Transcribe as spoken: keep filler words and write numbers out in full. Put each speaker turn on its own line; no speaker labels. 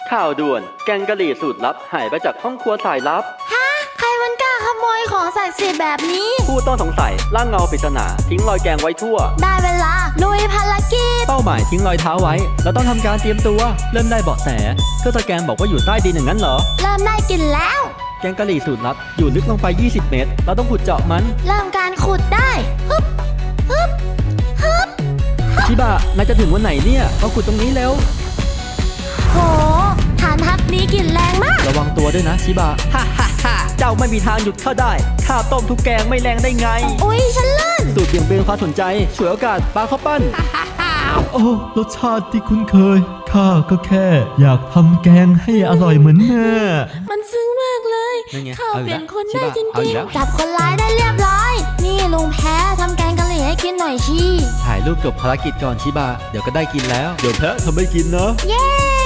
ข่าวด่วนแกงกะหรี่สูตรลับหายไปจากห้องครัวสายลับ
ฮะใครมันกล้าขโมยของศักดิ์สิทธิ์แบบนี้
ผู้ต้องสงสัยล่างเงาปริศนาทิ้งรอยแกงไว้ทั่ว
ได้เวลาลุยภารกิจ
เป้าหมายทิ้งรอยเท้าไว้เราต้องทำการเตรียมตัวเริ่มได้เบาะแสเครื่องสแกนบอกว่าอยู่ใต้ดินอย่างนั้นเหรอ
เริ่มได้กลิ่นแล้ว
แกงกะหรี่สูตรลับอยู่ลึกลงไปยี่สิบเมตรเราต้องขุดเจาะมัน
เริ่มการขุดได้ฮึบฮึบฮึบ
ชิบะนายจะถึงวันไหนเนี่ยมาขุดตรงนี้เร็ว
โหฐานทัพนี้กลิ่นแรงมาก
ระวังตัวด้วยนะชิบะฮ่าฮ่าฮ่าเจ้าไม่มีทางหยุดข้าได้ข้าต้มทุกแกงไม่แรงได้ไง
อุ๊ยฉันเลื่อน
สูตรเบี่ยงเบนความสนใจฉวยโอกาสปาเข้าปั้น
โอ้รสชาติที่คุ้นเคยข้าก็แค่อยากทำแกงให้อร่อยเหมือนแม่
มันซึ้งมากเลยข้าเปลี่ยนคนได้จริง
ๆ
จับคนร้ายได้เรียบร้อยนี่ลุงแพ้ทำแกงกะหรี่ให้กินหน่อยชี
ถ่ายรูปจบภารกิจก่อนชิบะเดี๋ยวก็ได้กินแล้ว
เดี๋ยวแพ้ทำให้กินนะ
เย้